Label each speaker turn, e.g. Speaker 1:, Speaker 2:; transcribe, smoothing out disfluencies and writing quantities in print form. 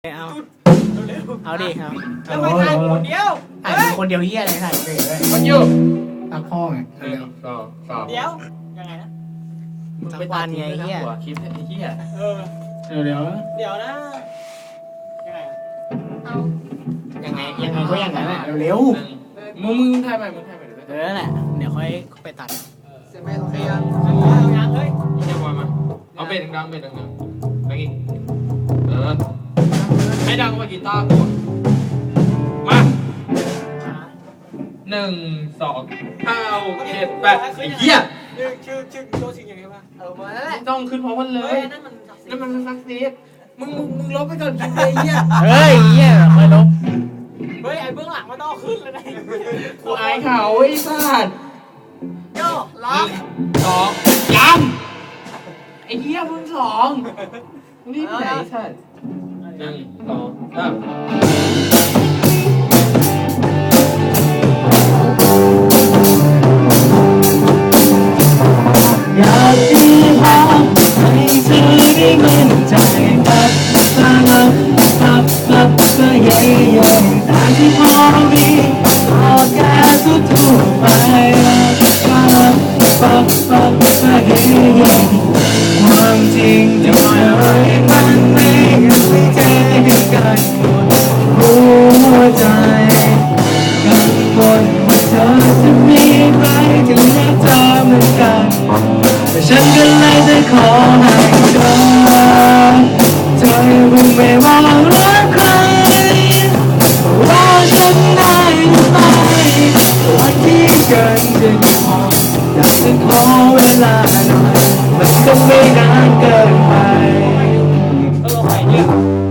Speaker 1: เอา
Speaker 2: เร็ว
Speaker 1: เอาดิครับ
Speaker 2: แล้วไม่ถ่ายคนเดียว
Speaker 1: ถ่ายคนเดียวเฮียอะไรถ่ายเลย
Speaker 3: มันอยู่
Speaker 1: ตักพ่อไง
Speaker 3: หนึ่งสองสาม
Speaker 2: เดี๋ยวยังไงนะ
Speaker 1: สักวันไงเฮีย
Speaker 3: หัวคลิปไอ้เหี้ย
Speaker 2: เออ
Speaker 1: เดี๋ยว
Speaker 2: เดี๋ยวนะยังไง
Speaker 1: ยังไงก็อย่างนั้นแหละเร็ว
Speaker 3: มึงถ่ายใหม่มึงถ่ายใหม่เดี๋ยว
Speaker 1: เออแหละเดี๋ยวค่อยไปตัด
Speaker 2: เสร็จไหมโอเคยังเอายังเฮ้ย
Speaker 3: นี่จะมาเอาเบสดังๆเบสดังๆไปอีกให้ดังกว่ากีตาร์กูมาหนึ่งสองห้าหกเจ็ดแปดไอ้เหี้ย
Speaker 2: ชื่อโจชิงยังไงวะมาแล้วแหละ
Speaker 3: ต้องขึ้นพร้อมกันเล
Speaker 2: เฮ้
Speaker 3: ย
Speaker 2: ยนั่นมัน
Speaker 3: นั่นมันซักซีด
Speaker 2: มึงลบไปก่อนคลิปเลยเฮีย
Speaker 1: เฮ้ยเฮียค่อยลบ
Speaker 2: เฮ้ยไอ้เบื้องหลังมันต้องขึ้นเลยนะ
Speaker 3: กูอายเขาไอ้สัตว์
Speaker 2: โย่ล็อก
Speaker 3: สองยังไอ้เหี้ยมึงสองรีบไหนสัตว์หนึ่งสองสาม
Speaker 1: อยากมีภาพให้เธอได้มั่นใจกับก็เย่แต่ที่พอมีก็แค่ทั่วไปก็เย่ความจริงจะไม่